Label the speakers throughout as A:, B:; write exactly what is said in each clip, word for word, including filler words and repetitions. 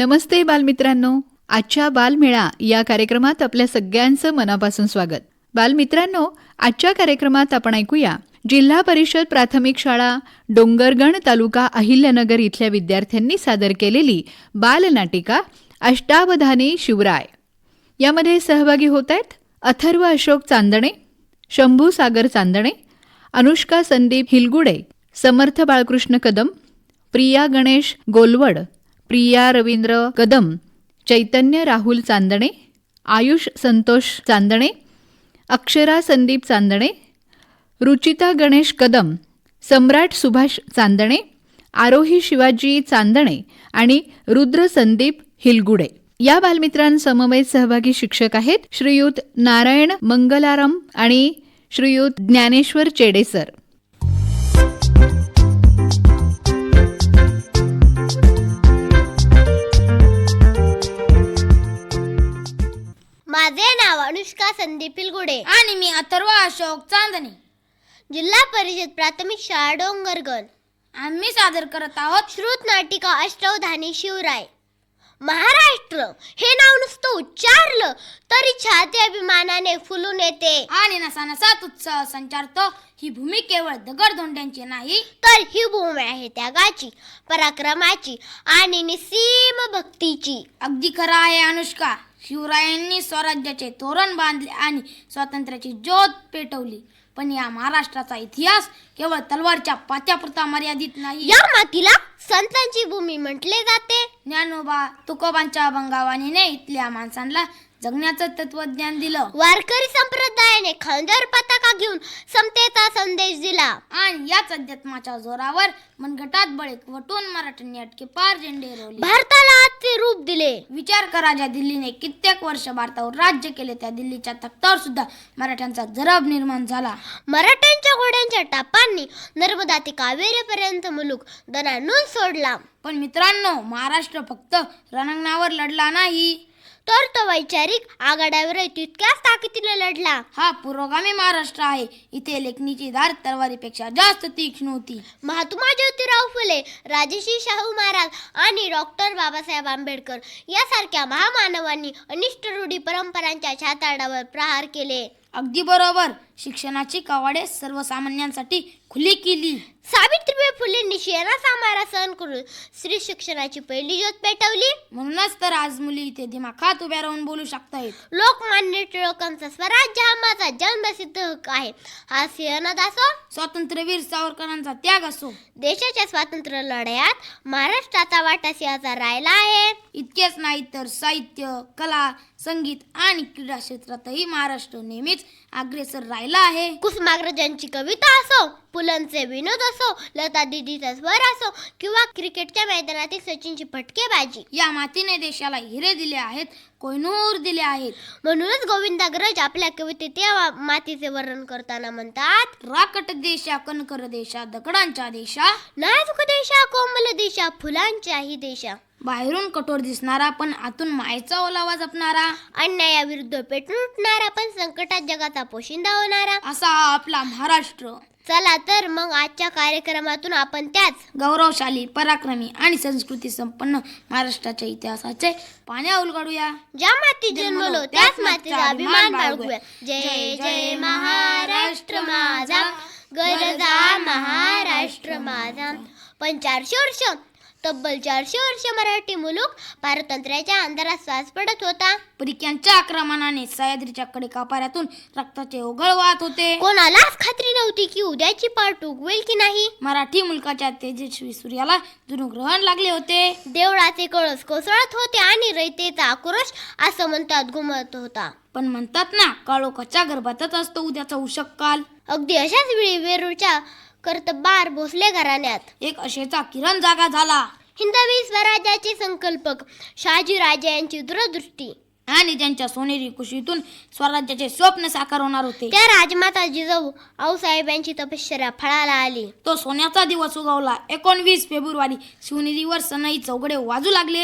A: नमस्ते बालमित्रांनो, आजच्या बालमेळा या कार्यक्रमात आपल्या सगळ्यांचं मनापासून स्वागत. बालमित्रांनो, आजच्या कार्यक्रमात आपण ऐकूया जिल्हा परिषद प्राथमिक शाळा डोंगरगण तालुका अहिल्यानगर इथल्या विद्यार्थ्यांनी सादर केलेली बालनाटिका अष्टावधानी शिवराय. यामध्ये सहभागी होत आहेत अथर्व अशोक चांदणे, शंभू सागर चांदणे, अनुष्का संदीप हिलगुडे, समर्थ बाळकृष्ण कदम, प्रिया गणेश गोलवड, प्रिया रवींद्र कदम, चैतन्य राहुल चांदणे, आयुष संतोष चांदणे, अक्षरा संदीप चांदणे, रुचिता गणेश कदम, सम्राट सुभाष चांदणे, आरोही शिवाजी चांदणे आणि रुद्र संदीप हिलगुडे. या बालमित्रांसमवेत सहभागी शिक्षक आहेत श्रीयुत नारायण मंगलाराम आणि श्रीयुत ज्ञानेश्वर चेडेसर.
B: माझे नाव अनुष्का संदीप हिलगुडे
C: आणि मी अथर्व अशोक चांदणे,
B: जिल्हा परिषद प्राथमिक शाळा डोंगरगण.
C: आम्ही सादर करत आहोत
B: श्रुत नाटिका अष्टावधानी शिवराय. महाराष्ट्र हे नाव नुसतं उच्चारलं तरी छाती अभिमानाने फुलून येते
C: आणि नसानसात उत्साह संचारतो. ही भूमी केवळ दगडधोंड्यांची नाही,
B: तर ही भूमी आहे त्यागाची, पराक्रमाची आणि निसीम भक्तीची.
C: अगदी खरं आहे अनुष्का. शिवरायांनी स्वराज्याचे तोरण बांधले आणि स्वातंत्र्याची ज्योत पेटवली. पण या महाराष्ट्राचा इतिहास केवळ तलवारच्या पात्यापुरता मर्यादित नाही.
B: या मातीला संतांची भूमी म्हटले जाते.
C: ज्ञानोबा तुकोबांच्या अभंगावाणीने इथल्या माणसांना जगण्याचं तत्वज्ञान दिलं.
B: वारकरी संप्रदायाने खांद्यावर पताका घेऊन समतेचा संदेश दिला
C: आणि याच अध्यात्माच्या जोरावर मनगटात बळे वटून मराठ्यांनी अटके पार झेंडे रोवले,
B: भारताला आजचे रूप दिले.
C: विचार करा, ज्या दिल्लीने कित्येक वर्ष भारतावर राज्य केले त्या दिल्लीच्या तख्तावर सुद्धा मराठ्यांचा जरब निर्माण झाला.
B: मराठ्यांच्या घोड्यांच्या टापांनी नर्मदा ते कावेरीपर्यंत मुलूक दणानून सोडला.
C: पण मित्रांनो, महाराष्ट्र फक्त रणांगणावर लढला नाही,
B: तर तो वैचारिक आघाड्यावर तितक्याच ताकदीने लढला.
C: हा पुरोगामी महाराष्ट्र आहे. इथे लेखणीची धार तलवारीपेक्षा जास्त तीक्ष्ण होती.
B: महात्मा ज्योतिराव फुले, राजर्षी शाहू महाराज आणि डॉक्टर बाबासाहेब आंबेडकर यासारख्या महामानवांनी अनिष्ट रूढी परंपरांच्या छाताडावर प्रहार केले.
C: अगदी बरोबर. शिक्षणाची कवाडे सर्वसामान्यांसाठी खुली केली.
B: सावित्रीबाई फुलेंनी शेणाचा मारा सहन करून स्त्री शिक्षणाची पहिली ज्योत पेटवली.
C: म्हणूनच तर आज मुली इथे दिमाखात उभ्या राहून बोलू शकतायत.
B: लोकमान्य टिळकांचा स्वराज्य हा माझा जन्मसिद्ध हक्क आहे हा सिंहनाद असो,
C: स्वातंत्र्यवीर सावरकरांचा त्याग असो,
B: देशाच्या स्वातंत्र्य लढ्यात महाराष्ट्राचा वाटा सिंहाचा राहिला आहे.
C: इतकेच नाही तर साहित्य, कला, संगीत आणि क्रीडा क्षेत्रातही महाराष्ट्र नेहमीच अग्रेसर राहिला आहे.
B: कुसुमाग्रजांची कविता असो, पुलंचे विनोद असो, लता दीदीचा स्वर असो किंवा क्रिकेटच्या मैदानातील सचिनची फटकेबाजी,
C: या मातीने देशाला हिरे दिले आहेत, कोहिनूर दिले आहेत.
B: म्हणूनच गोविंदाग्रज आपल्या कवितेत या मातीचे वर्णन करताना म्हणतात,
C: राकट देशा, कणकर देशा, दगडांच्या देशा,
B: नाजूक देशा, कोमल देशा, फुलांच्याही देशा.
C: बाहेरून कठोर दिसणारा पण आतून मायेचा ओलावा जपणारा,
B: अन्यायाविरुद्ध पेटून उठणारा पण संकटात जगाचा पोशिंदा होणारा,
C: असा हा आपला महाराष्ट्र.
B: चला तर मग आजच्या कार्यक्रमातून आपण त्याच
C: गौरवशाली, पराक्रमी आणि संस्कृती संपन्न महाराष्ट्राच्या इतिहासाचे पाण्या उलगडूया.
B: ज्या मातीत जन्मलो त्याच मातीचा अभिमान बाळगूया. जय जय महाराष्ट्र माझा, गरजा महाराष्ट्र माझा. पण चारशे वर्ष तब्बल चारशे वर्ष मराठी मुलूक पारतंत्र्याच्या अंधारात श्वास पडत होता.
C: परिक्यांच्या आक्रमणाने सह्याद्रीच्या कडेकापाऱ्यातून रक्ताचे ओघळ वाहत होते.
B: कोणालाच खात्री नव्हती की उद्याची पाठ उगवेल की नाही.
C: मराठी मुलकाच्या तेजस्वी सूर्याला जणू ग्रहण लागले होते.
B: देवळाचे कळस कोसळत होते आणि रयतेचा आक्रोश असं म्हणतात घुमत होता.
C: पण म्हणतात ना, काळोखाच्या गर्भातच असतो उद्याचा उषक काल.
B: अगदी अशाच वेळी वेरूळच्या कर्तबार भोसले घराण्यात
C: एक अशेचा किरण जागा झाला.
B: हिंदवी स्वराज्याचे संकल्पक शहाजी राजे यांची दूरदृष्टी
C: आणि ज्यांच्या सोनेरी कुशीतून स्वराज्याचे स्वप्न साकार होणार होते,
B: त्या राजमाता जिजाऊ आऊसाहेब यांची तपश्चर्या फळाला आली.
C: तो सोन्याचा दिवस उगवला. एकोणवीस फेब्रुवारी शिवनेरीवर सनई चौघडे वाजू लागले.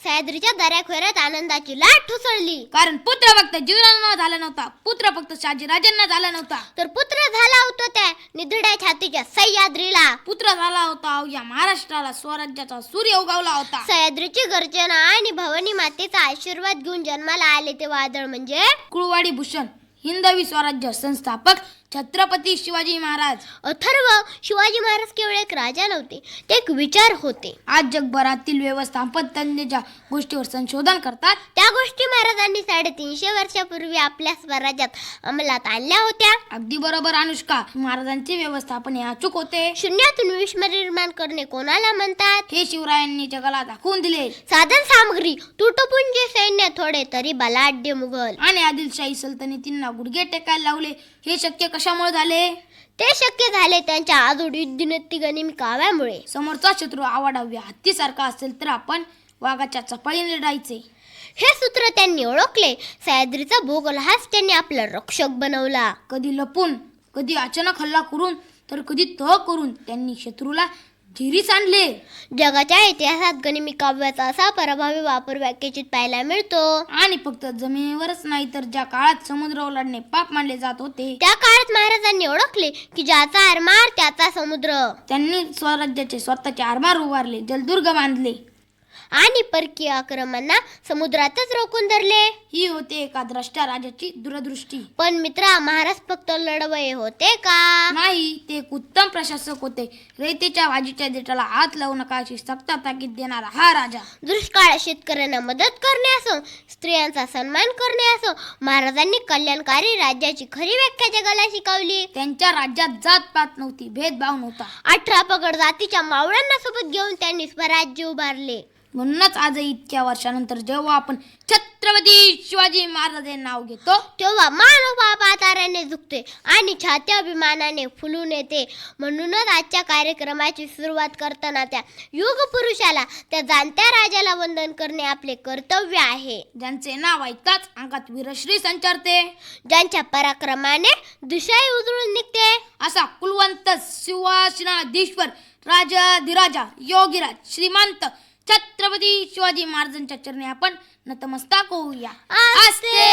B: सह्याद्रीच्या दऱ्याखोऱ्यात आनंदाची लाट ठुसळली.
C: कारण पुत्र फक्त जीवनाला झाला नव्हता, पुत्र फक्त शहाजीराजांना झाला नव्हता,
B: तर पुत्र झाला होता त्या निधड्या छातीच्या सह्याद्रीला.
C: पुत्र झाला होता या महाराष्ट्राला, स्वराज्याचा सूर्य उगवला होता.
B: सह्याद्रीची गर्जना आणि भवानी मातेचा आशीर्वाद घेऊन जन्माला आले ते वादळ म्हणजे
C: कुळवाडी भूषण हिंदवी स्वराज्य संस्थापक छत्रपती शिवाजी महाराज.
B: अथर्व शिवाजी महाराज केवळ एक राजा नव्हते, ते एक विचार होते.
C: आज जगभरातील व्यवस्थापन तज्ञ ज्या गोष्टीवर संशोधन करतात
B: त्या गोष्टी महाराजांनी साडेतीनशे वर्षापूर्वी आपल्या स्वराज्यात अंमलात आणल्या होत्या.
C: अगदी बरोबर अनुष्का. महाराजांचे व्यवस्थापन हे अचूक होते.
B: शून्यातून विश्व निर्माण करणे कोणाला म्हणतात?
C: हे शिवरायांनी जगाला दाखवून दिले.
B: साधन सामग्री, तुटपुंजे सैन्य, थोडे तरी बलाढ्य मुघल
C: आणि आदिलशाही सल्तनतींना गुडघे टेकायला लावले. हे शक्य कशामुळे झाले?
B: ते शक्य झाले त्यांच्या आजोड युद्धनीती गनिमी काव्यामुळे.
C: समोरचा शत्रू आवाडाव्या हत्तीसारखा असेल तर आपण वाघाच्या चपाळीने लढायचे,
B: हे सूत्र त्यांनी ओळखले. सह्याद्रीचा भूगोल हाच त्यांनी आपला रक्षक बनवला.
C: कधी लपून, कधी अचानक हल्ला करून, तर कधी तह करून त्यांनी शत्रूला झिरीस आणले.
B: जगाच्या इतिहासात गनिमी काव्याचा असा प्रभावी वापर व्याख्याचित पाहायला मिळतो.
C: आणि फक्त जमिनीवरच नाही तर ज्या काळात समुद्र ओलांडणे पाप मानले जात होते,
B: त्या काळात महाराजांनी ओळखले की ज्याचा आरमार त्याचा समुद्र.
C: त्यांनी स्वराज्याचे स्वतःचे आरमार उभारले, जलदुर्ग बांधले
B: आणि परकीय आक्रमणांना समुद्रातच रोखून धरले.
C: ही होते एका द्रष्टा राजाची दूरदृष्टी.
B: पण मित्रा, महाराज फक्त लढवये होते का?
C: नाही, ते एक उत्तम प्रशासक होते. रयतेच्या भाजीच्या देठाला हात लावू नका अशी सक्त ताकीद देणारा हा राजा.
B: दुष्काळ शेतकऱ्यांना मदत करणे असो, स्त्रियांचा सन्मान करणे असो, महाराजांनी कल्याणकारी राज्याची खरी व्याख्या जगाला शिकवली.
C: त्यांच्या राज्यात जात पात नव्हती, भेदभाव नव्हता.
B: अठरा पगड जातीच्या मावळ्यांना सोबत घेऊन त्यांनी स्वराज्य उभारले.
C: म्हणूनच आजही इतक्या वर्षानंतर जेव्हा आपण छत्रपती शिवाजी महाराज हे नाव घेतो,
B: तेव्हा मानव पाताऱ्याने झुकते आणि छाती अभिमानाने फुलून येते. म्हणूनच आजच्या कार्यक्रमाची सुरुवात करताना त्या युग पुरुषाला, त्या जाणत्या राजाला वंदन करणे आपले कर्तव्य आहे.
C: ज्यांचे नाव ऐकताच अंगात वीरश्री संचारते,
B: ज्यांच्या पराक्रमाने दिशाही उजळून निघते.
C: असा कुलवंत सिंहासनाधीश्वर राजाधिराजा योगीराज श्रीमंत छत्रपती शिवाजी महाराजांच्या चरणी आपण नतमस्तक होऊया.
B: आस्ते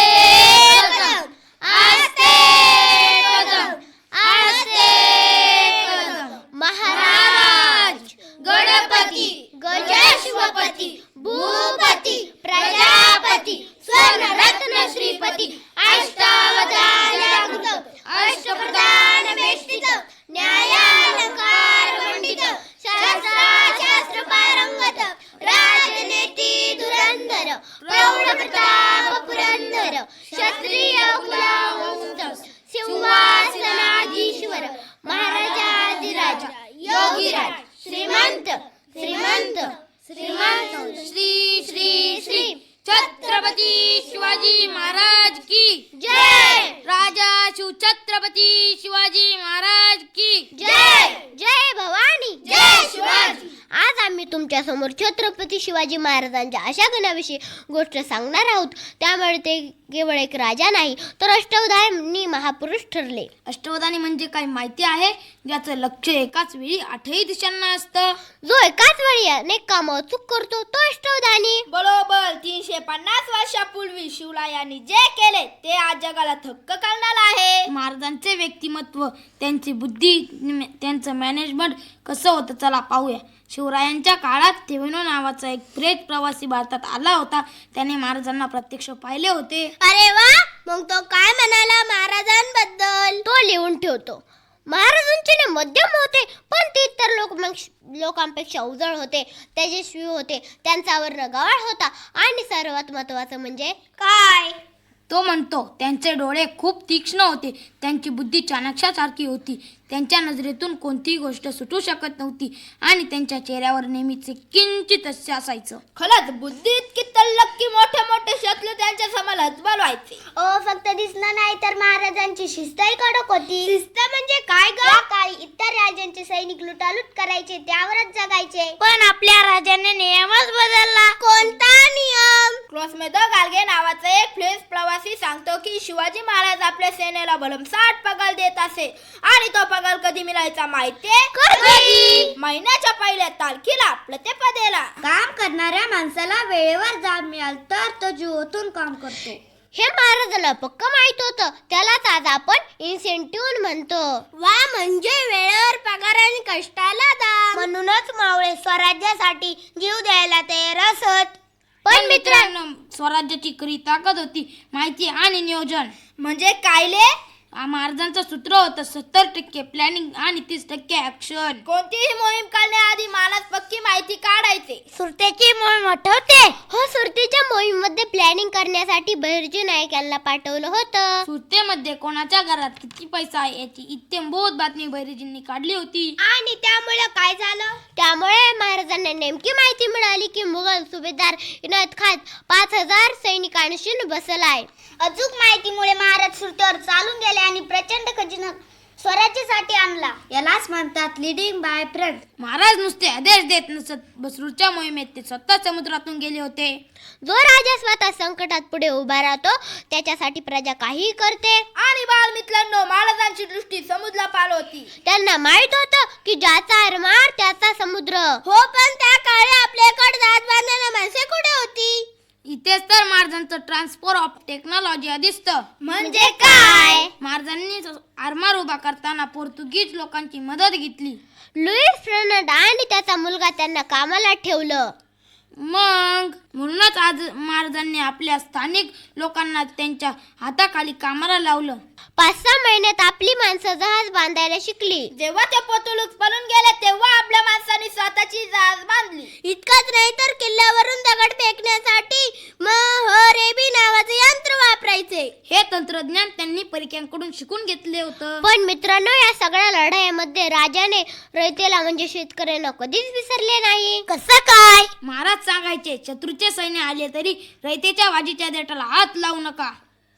B: कदम, आस्ते कदम, आस्ते कदम. महाराज गणपती गजशिवपती भूपती प्रजापती स्वर्णरत्न श्रीपती अष्टावधान अष्टप्रधान वेष्टित न्यायालंकार मंडित शास्त्र पारंगत राजनीती धुरंधर प्रौढ प्रताप पुरंदर क्षत्रिय कुलवंश सिंहासनाधीश्वर महाराजाधिराज योगीराज श्रीमंत श्रीमंत श्रीमंत श्री श्री श्री
C: छत्रपती शिवाजी महाराज की
B: जय.
C: राजा शिव छत्रपती शिवाजी महाराज की
B: जय. जय भवानी, जय शिवाजी. आज आम्ही तुमच्या समोर छत्रपती शिवाजी महाराजांच्या अशा गुणाविषयी गोष्ट सांगणार आहोत. त्यामुळे ते केवळ एक राजा नाही तर अष्टावधानी महापुरुष ठरले.
C: अष्टवधानी म्हणजे काय माहिती आहे? ज्याचं लक्ष एकाच वेळी आठही दिशांना असतं.
B: जो एकाच वेळी अनेक कामं अचूक करतो तो अष्टावधानी.
D: बरोबर तीनशे पन्नास वर्षापूर्वी शिवरायांनी जे केले ते आज जगाला थक्क करणार आहे.
C: महाराजांचे व्यक्तिमत्व, त्यांची बुद्धी, त्यांचं मॅनेजमेंट कसं होतं चला पाहूया. शिवरायांच्या काळात थेवेनो नावाचा एक प्रेत प्रवासी भारतात आला होता. त्याने महाराजांना प्रत्यक्ष पाहिले होते.
B: अरे वा, मग तो काय म्हणाला महाराजांबद्दल? तो लिहून ठेवतो. महाराज उंचीने मध्यम होते, पण ते इतर लोक लोकांपेक्षा उजळ होते, तेजस्वी होते, त्यांचा वर्ण गवाळ होता आणि सर्वात महत्वाचं म्हणजे
D: काय?
C: तो म्हणतो त्यांचे डोळे खूप तीक्ष्ण होते, त्यांची बुद्धी चाणक्यासारखी होती, त्यांच्या नजरेतून कोणतीही गोष्ट सुटू शकत नव्हती आणि त्यांच्या चेहऱ्यावर नेहमीच किंचित हास्य असायचं.
D: खरंच बुद्धी इतकी तल्लक की मोठे मोठे शत्रू त्यांच्या समोर हतबल व्हायचे.
B: ओ फक्त दिसलं नाही तर महाराजांची शिस्तही कडक होती. शिस्त म्हणजे काय ग? काही इतर राजांचे सैनिक लुटालूट करायचे, त्यावरच जगायचे. पण आपल्या राजाने नियमच बदलला. कोणता नियम?
D: क्लोसमेद गालगे नावाचा एक फ्रेंच प्रवासी सांगतो की शिवाजी महाराज आपल्या सेनेला भरमसाठ पगार देत असे आणि तो पगार कधी मिळायचा माहितीये?
B: कधी?
D: महिन्याच्या पहिल्या तारखेला प्रतिपदेला.
C: काम करणाऱ्या माणसाला वेळेवर जाब मिळाल तर तो जीवातून काम करतो.
B: हे महाराजांना पक्क माहित होतं. त्यालाच आज आपण इन्सेंटिव्ह म्हणतो. वा, म्हणजे वेळेवर पगार आणि कष्टाला दाम. म्हणूनच मावळे स्वराज्यासाठी जीव द्यायला तयार असत. पण मित्रांनो,
C: स्वराज्याची खरी ताकद होती माहिती आणि नियोजन.
D: म्हणजे कायले?
C: आ, महाराजांचं सूत्र होतं सत्तर टक्के प्लॅनिंग आणि तीस टक्के ऍक्शन.
D: कोणतीही मोहीम करण्याआधी महाराज पक्की माहिती काढायचे.
B: सुरतेची मोहीम आठवते? हो, सुरतेच्या मोहीममध्ये प्लॅनिंग करण्यासाठी बहिर्जी नाईक यांना पाठवलं होतं.
C: सुरतेमध्ये कोणाच्या घरात किती पैसा आहे याची इत्यंभूत बातमी बैरजींनी काढली होती.
B: आणि त्यामुळे काय झालं? त्यामुळे महाराजांना नेमकी माहिती मिळाली की मुघल सुभेदार इनायत खान पाच हजार सैनिकांशी बसलाय. अचूक माहितीमुळे महाराज सुरतेवर चालून गेले आणि प्रचंड खजिना स्वराज्यासाठी आणला. यालाच म्हणतात लिडिंग बाय फ्रंट.
C: महाराज नुसते आदेश देत नसत, बसरूरच्या मोहिमेत ते स्वतः समुद्रातून गेले होते.
B: जो राजा स्वतः संकटात पुढे उभा राहतो त्याच्यासाठी प्रजा काही करते.
D: आणि बालमित्रांनो, महाराजांची दृष्टी समुद्रा पार होती.
B: त्यांना माहित होतं की ज्याचा आरमार त्याचा समुद्र. हो, पण त्या काळी आपल्याकडे जहाज बांधणारी माणसे कुठे होती?
C: इथेच तर महाराजांचं ट्रान्सफर ऑफ टेक्नॉलॉजी दिसतं.
B: म्हणजे काय?
C: महाराजांनी आरमार उभा करताना पोर्तुगीज लोकांची मदत घेतली.
B: लुईस फर्नांड आणि त्याचा मुलगा त्यांना कामाला ठेवलं.
C: मग म्हणूनच आज महाराजांनी आपल्या स्थानिक लोकांना त्यांच्या हाताखाली कामाला लावलं.
B: पाच सहा महिन्यात आपली माणसं जहाज बांधायला शिकली.
D: जेव्हा ते पोर्तुगीज पळून गेले तेव्हा आपल्या माणसांनी स्वतःची जहाज बांधली.
B: इतकंच नाही तर किल्ल्यावरून दगड फेकण्यासाठी महरेबी नावाचे यंत्र वापरायचे.
C: हे तंत्रज्ञान त्यांनी परिक्यांकडून शिकून घेतले होतं.
B: पण मित्रांनो, या सगळ्या लढाईमध्ये राजाने रयतेला म्हणजे शेतकऱ्यांना कधीच विसरले नाही. कसं काय?
C: महाराज सांगायचे, शत्रूचे सैन्य आले तरी रयतेच्या वाजीच्या देठाला हात लावू नका.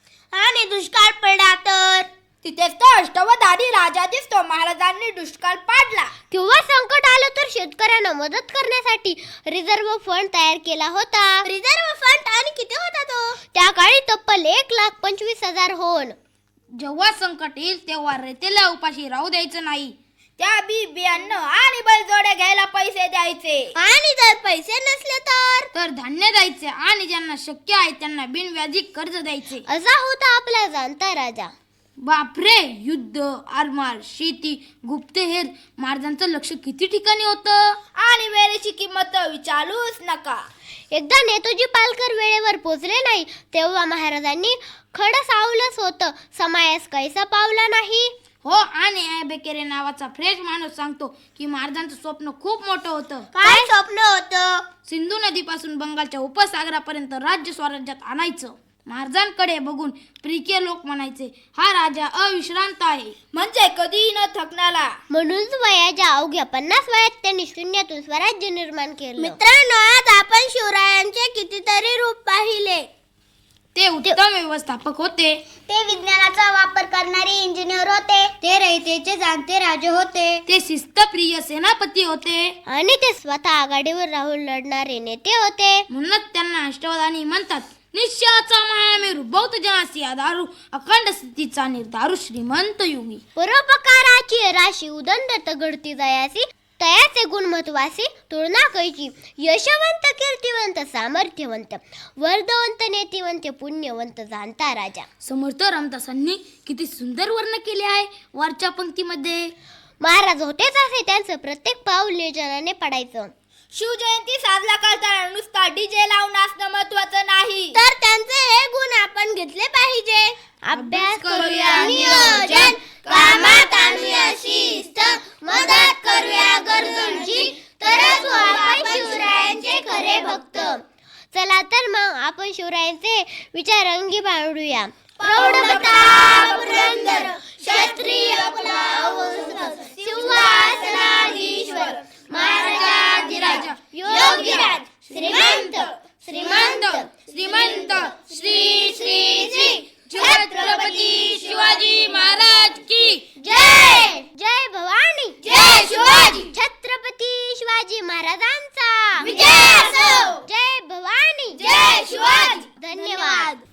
B: आणि दुष्काळ पडला तर?
D: तिथेच तो अष्टवधारी राजा दिसतो. महाराजांनी दुष्काळ पाडला.
B: किंवा संकट आलं तर शेतकऱ्यांना मदत करण्यासाठी रिझर्व्ह फंड तयार केला होता. रिझर्व्ह फंड आणि किती होता तो? त्या काळी तब्बल एक लाख पंचवीस हजार होन.
C: जेव्हा संकट येईल तेव्हा रयतेला उपाशी राहू द्यायचं नाही.
D: त्या बी बियाणं आणि बैलजोडे घ्यायला पैसे द्यायचे.
B: आणि जर पैसे नसले तर
C: तर धान्य द्यायचे आणि ज्यांना शक्य आहे त्यांना बिनव्याजी कर्ज द्यायचे.
B: असा होता आपला जाणता राजा.
C: बापरे, युद्ध, आरमार, शेती, गुप्तहेर, महाराजांचं लक्ष किती ठिकाणी होतं.
D: आणि वेळेची किंमत विचारूच नका.
B: एकदा नेताजी पालकर वेळेवर पोचले नाही तेव्हा महाराजांनी खडं सावलंच होतं. समायास कैसा पावला नाही.
C: हो, आणि ए बेकेरे नावाचा फ्रेश माणूस सांगतो की महाराजांचं स्वप्न खूप मोठं होतं.
B: काय स्वप्न होतं?
C: सिंधू नदीपासून बंगालच्या उपसागरापर्यंत राज्य स्वराज्यात आणायचं. महाराजांकडे बघून प्रिके लोक म्हणायचे, हा राजा अविश्रांत आहे.
D: म्हणजे कधीही न थकणारा.
B: म्हणूनच वयाच्या अवघ्या पन्नास वयात त्यांनी शून्यातून स्वराज्य निर्माण केलं. मित्रांनो, आज आपण शिवरायांचे कितीतरी रूप पाहिले.
C: ते उत्तम व्यवस्थापक होते.
B: ते विज्ञानाचा वापर करणारे इंजिनियर होते. ते रयतेचे जाणते राजे होते.
C: ते शिस्तप्रिय सेनापती होते.
B: आणि ते स्वतः आघाडीवर राहून लढणारे नेते होते.
C: म्हणूनच त्यांना अष्टवधानी म्हणतात. निश्चयाचा महामेरू बौद्ध जनासी आधारू अखंड स्थितीचा निर्धारू श्रीमंत युगी.
B: परोपकाराची राशी उदंड तगडती जयासी तयाचे गुण महत्वासी तुलना कैची. यशवंत, कीर्तिवंत, सामर्थ्यवंत, वर्धवंत, नेतिवंत, पुण्यवंत, जाणता राजा.
C: समर्थ रामदासांनी किती सुंदर वर्ण केले आहे वरच्या पंक्तीमध्ये.
B: महाराज होतेच असे त्यांचं प्रत्येक पाऊल नियोजनाने पडायचं.
D: शिवजयंती साजरा करताना नुसता डीजे लावून असणं महत्वाचं नाही,
B: तर त्यांचे हे गुण आपण घेतले पाहिजे. अभ्यास करूया नियोजन, कामात आणूया शिस्त, मदत करूया गरजूंची, तरच होऊ आपण शिवरायांचे खरे भक्त. चला तर मग आपण शिवरायांचे विचार अंगी बाळगूया. प्रौढ प्रताप पुरंदर, क्षत्रिय कुलावंश, सिंहासनाधीश्वर, महाराजाधिराज, योगीराज, श्रीमंत श्रीमंत
C: श्रीमंत श्री श्री श्री छत्रपती शिवाजी महाराज की
B: जय. जय भवानी,
D: जय शिवाजी.
B: छत्रपती शिवाजी महाराजांचा
D: विजय असो.
B: जय भवानी,
D: जय जय शिवाजी.
B: धन्यवाद.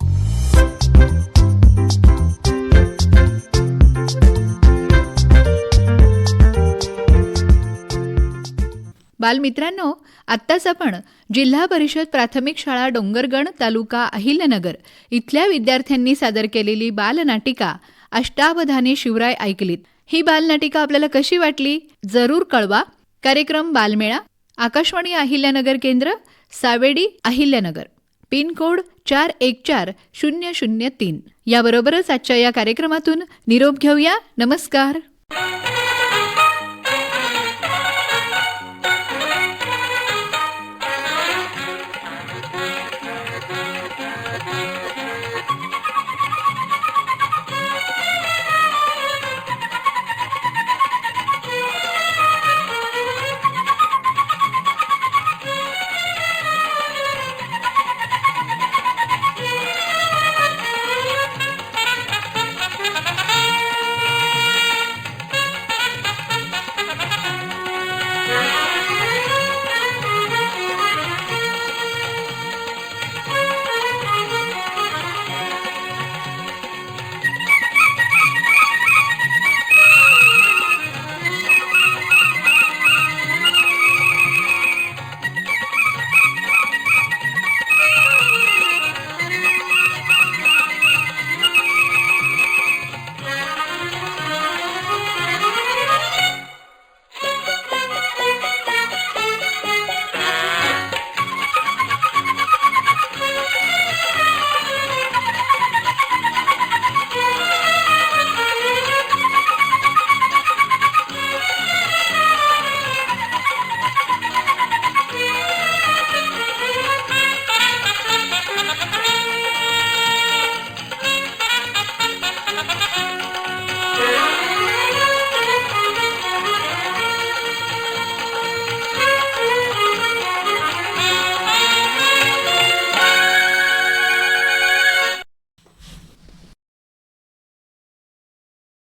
A: बालमित्रांनो, आत्ताच आपण जिल्हा परिषद प्राथमिक शाळा डोंगरगण तालुका अहिल्यानगर इथल्या विद्यार्थ्यांनी सादर केलेली बालनाटिका अष्टावधाने शिवराय ऐकलीत. ही बालनाटिका आपल्याला कशी वाटली जरूर कळवा. कार्यक्रम बालमेळा, आकाशवाणी अहिल्यानगर केंद्र, सावेडी अहिल्यानगर, पिन कोड चार एक चार शून्य शून्य तीन. याबरोबरच आजच्या या कार्यक्रमातून निरोप घेऊया. नमस्कार.